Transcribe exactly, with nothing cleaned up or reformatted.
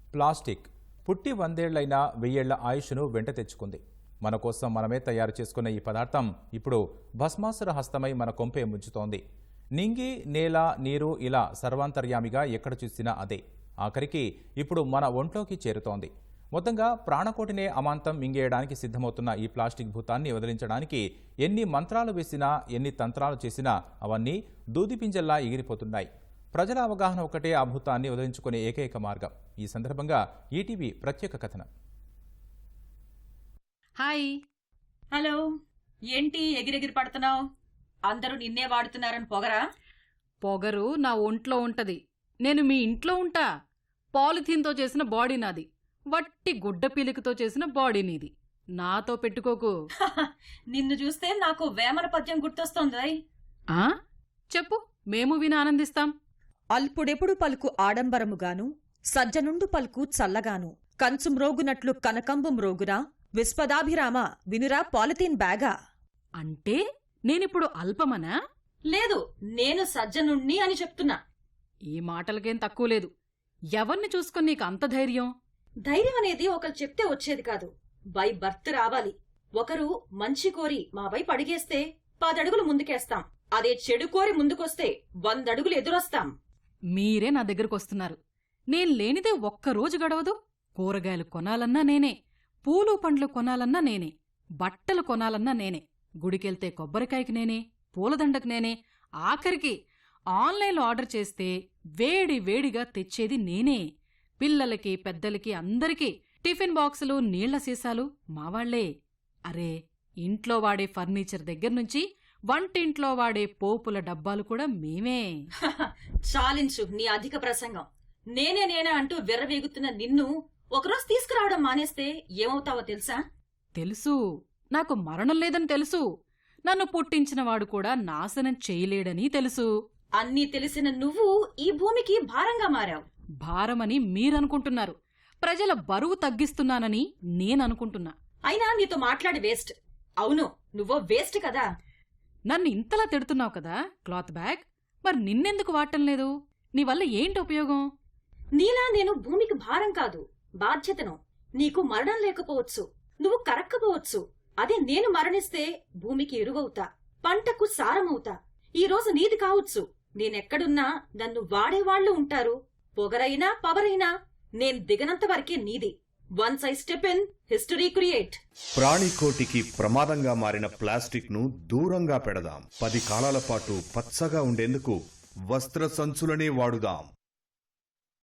Plastic పుట్టి వందేళ్లైనా వెయ్యేళ్ల ఆయుష్ను వెంట తెచ్చుకుంది. మన కోసం మనమే తయారు చేసుకున్న ఈ పదార్థం ఇప్పుడు భస్మాసుర హస్తమై మన కొంపే ముంచుతోంది. నింగి, నేల, నీరు ఇలా సర్వాంతర్యామిగా ఎక్కడ చూసినా అదే. ఆఖరికి ఇప్పుడు మన ఒంట్లోకి చేరుతోంది. మొత్తంగా ప్రాణకోటినే అమాంతం మింగేయడానికి సిద్ధమవుతున్న ఈ ప్లాస్టిక్ భూతాన్ని వదిలించడానికి ఎన్ని మంత్రాలు వేసినా, ఎన్ని తంత్రాలు చేసినా అవన్నీ దూదిపింజల్లా ఎగిరిపోతున్నాయి. ప్రజల అవగాహన ఒకటే ఆ భూతాన్ని వదిలించుకునే ఏకైక మార్గం. ఈ సందర్భంగా ఈటీవీ ప్రత్యేక కథనం. హాయ్. హలో. ఏంటి ఎగిరెగిరి పడుతున్నావు? అందరూ నిన్నే వాడుతున్నారని పొగరా? పొగరు నా ఒంట్లో ఉంటది. నేను మీ ఇంట్లో ఉంటా. పాలిథీన్తో చేసిన బాడీ నాది, వట్టి గుడ్డ పీలికతో చేసిన బాడీ నీది. నాతో పెట్టుకోకు. నిన్ను చూస్తే నాకు వేమన పద్యం గుర్తొస్తోంది. ఆ చెప్పు, మేము విని ఆనందిస్తాం. అల్పుడెప్పుడు పలుకు ఆడంబరముగాను, సజ్జనుండు పలుకు చల్లగాను, కంచు మ్రోగునట్లు కనకంబు మ్రోగురా, విశ్వదాభిరామ వినురా పాలిథీన్ బ్యాగా. అంటే నేనిప్పుడు అల్పమనా? లేదు, నేను సజ్జనుణ్ణి అని చెప్తున్నా. ఈ మాటలకేం తక్కువ లేదు. ఎవర్ని చూసుకుని నీకు అంత ధైర్యం? ధైర్యం అనేది ఒకరు చెప్తే వచ్చేది కాదు, బై బర్త్ రావాలి. ఒకరు మంచి కోరి మా వైపు అడిగేస్తే పదడుగులు ముందుకేస్తాం. అదే చెడు కోరి ముందుకొస్తే వందడుగులు ఎదురొస్తాం. మీరే నా దగ్గరకొస్తున్నారు. నేను లేనిదే ఒక్కరోజు గడవదు. కూరగాయలు కొనాలన్నా నేనే, పూలు పండ్లు కొనాలన్నా నేనే, బట్టలు కొనాలన్నా నేనే, గుడికెళ్తే కొబ్బరికాయకి నేనే, పూలదండకు నేనే, ఆఖరికి ఆన్లైన్లో ఆర్డర్ చేస్తే వేడి వేడిగా తెచ్చేది నేనే. పిల్లలకి, పెద్దలకి, అందరికీ టిఫిన్ బాక్సులు, నీళ్ల సీసాలు మావాళ్లే. అరే, ఇంట్లో వాడే ఫర్నిచర్ దగ్గర్నుంచి వంటింట్లో వాడే పోపుల డబ్బాలు కూడా మేమే. చాలించు నీ అధిక ప్రసంగం. నేనే నేనే అంటూ విర్రవేగుతున్న నిన్ను ఒకరోజు తీసుకురావడం మానేస్తే ఏమవుతావో తెలుసా? తెలుసు, నాకు మరణం లేదని తెలుసు. నన్ను పుట్టించినవాడు కూడా నాశనం చేయలేడని తెలుసు. అన్నీ తెలిసిన నువ్వు ఈ భూమికి భారంగా మారావు. భారమని మీరనుకుంటున్నారు. ప్రజల బరువు తగ్గిస్తున్నానని నేననుకుంటున్నా. అయినా నీతో మాట్లాడి వేస్ట్. అవును, నువ్వో వేస్ట్ కదా. నన్ను ఇంతలా తిడుతున్నావు కదా క్లాత్ బ్యాగ్, మరి నిన్నెందుకు వాడటం లేదు? నీ వల్ల ఏంటి ఉపయోగం? నీలా నేను భూమికి భారం కాదు, బాధ్యతను. నీకు మరణం లేకపోవచ్చు, నువ్వు కరక్కపోవచ్చు. అదే నేను మరణిస్తే భూమికి ఎరువవుతా, పంటకు సారమవుతా. ఈ రోజు నీది కావచ్చు, నేనెక్కడున్నా నన్ను వాడేవాళ్లు ఉంటారు. పొగరైనా పవరైనా నేను దిగనంత వరకే నీది. Once I step in, history create. ప్రాణికోటికి ప్రమాదంగా మారిన ప్లాస్టిక్ ను దూరంగా పెడదాం. పది కాలాల పాటు పచ్చగా ఉండేందుకు వస్త్ర సంచులనే వాడుదాం.